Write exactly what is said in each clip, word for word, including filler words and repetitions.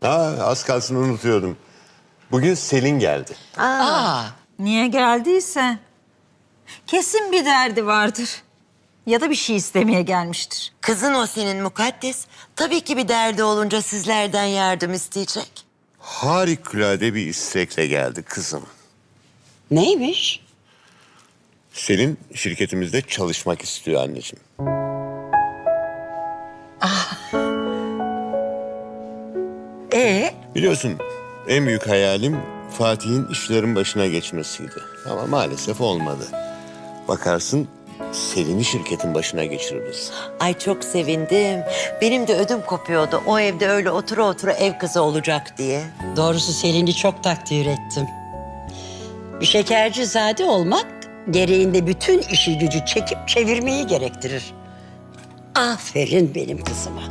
Ha, az kalsın unutuyordum. Bugün Selin geldi. Aa, Niye geldiyse kesin bir derdi vardır. Ya da bir şey istemeye gelmiştir. kızın o senin mukaddes. Tabii ki bir derdi olunca sizlerden yardım isteyecek. Harikulade bir istekle geldi kızım. Neymiş? Selin şirketimizde çalışmak istiyor anneciğim. Ee, Biliyorsun en büyük hayalim Fatih'in işlerin başına geçmesiydi. Ama maalesef olmadı. Bakarsın Selin'i şirketin başına geçiririz. Ay çok sevindim. Benim de ödüm kopuyordu. O evde öyle otura otura ev kızı olacak diye. Doğrusu Selin'i çok takdir ettim. Bir şekercizade olmak gereğinde bütün işi gücü çekip çevirmeyi gerektirir. Aferin benim kızıma.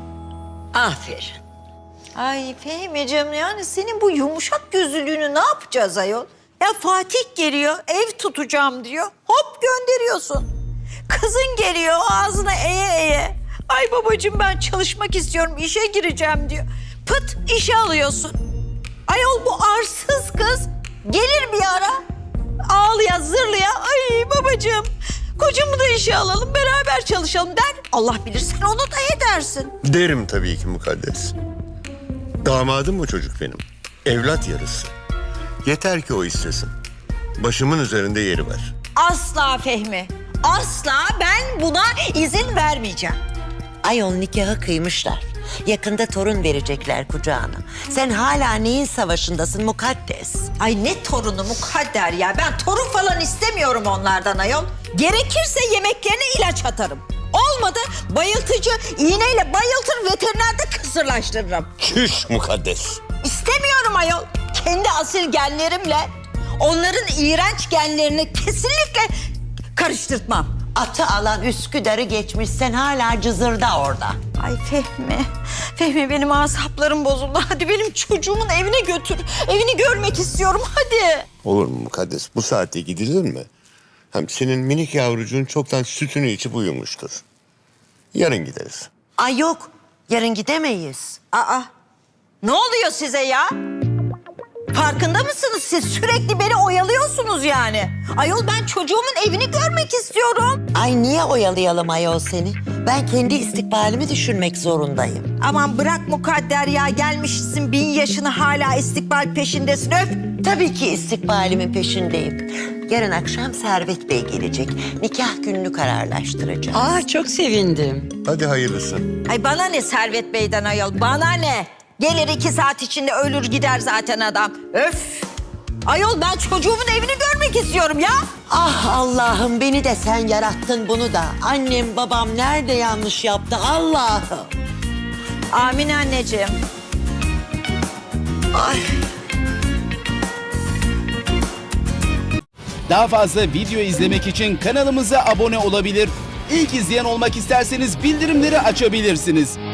Aferin. ay Fehmi'cim yani senin bu yumuşak gözlülüğünü ne yapacağız ayol? Ya Fatih geliyor, ev tutacağım diyor. Hop gönderiyorsun. Kızın geliyor ağzına eye eye. Ay babacığım ben çalışmak istiyorum, işe gireceğim diyor. Pıt işe alıyorsun. Ayol bu arsız kız gelir bir ara. Ağlıya zırlıya ay babacığım kocamı da işe alalım beraber çalışalım der. Allah bilir sen onu da edersin. Derim tabii ki mukaddes. Damadım o çocuk benim. Evlat yarısı. Yeter ki o istesin. Başımın üzerinde yeri var. Asla Fehmi. Asla ben buna izin vermeyeceğim. Ayol nikahı kıymışlar. Yakında torun verecekler kucağına. Sen hala neyin savaşındasın mukaddes? Ay ne torunu mukadder ya. Ben torun falan istemiyorum onlardan ayol. Gerekirse yemeklerine ilaç atarım. Olmadı bayıltıcı iğneyle bayıltır veterinerde kısırlaştırırım. Çüş mukaddes. İstemiyorum ayol. Kendi asil genlerimle onların iğrenç genlerini kesinlikle karıştırtmam. Atı alan Üsküdar'ı geçmiş, sen hala cızırda orada. Ay Fehmi, Fehmi benim asaplarım bozuldu. Hadi benim çocuğumun evine götür. Evini görmek istiyorum hadi. Olur mu mukaddes? Bu saatte gidilir mi? Hem senin minik yavrucuğun çoktan sütünü içip uyumuştur. Yarın gideriz. Ay yok, yarın gidemeyiz. Aa, ne oluyor size ya? Farkında mısınız siz? Sürekli beni oyalıyorsunuz yani. Ayol ben çocuğumun evini görmek istiyorum. Ay niye oyalayalım ayol seni? Ben kendi istikbalimi düşünmek zorundayım. Aman bırak mukadder ya. Gelmişsin bin yaşını hala istikbal peşindesin öf. Tabii ki istikbalimin peşindeyim. Yarın akşam Servet Bey gelecek. Nikah gününü kararlaştıracağız. Aa, çok sevindim. Hadi hayırlısı. Ay bana ne Servet Bey'den ayol, bana ne? Gelir iki saat içinde ölür gider zaten adam. Öf! Ayol ben çocuğumun evini görmek istiyorum ya. Ah Allah'ım beni de sen yarattın bunu da. Annem babam nerede yanlış yaptı Allah'ım. Amin anneciğim. Ay. Daha fazla video izlemek için kanalımıza abone olabilir. İlk izleyen olmak isterseniz bildirimleri açabilirsiniz.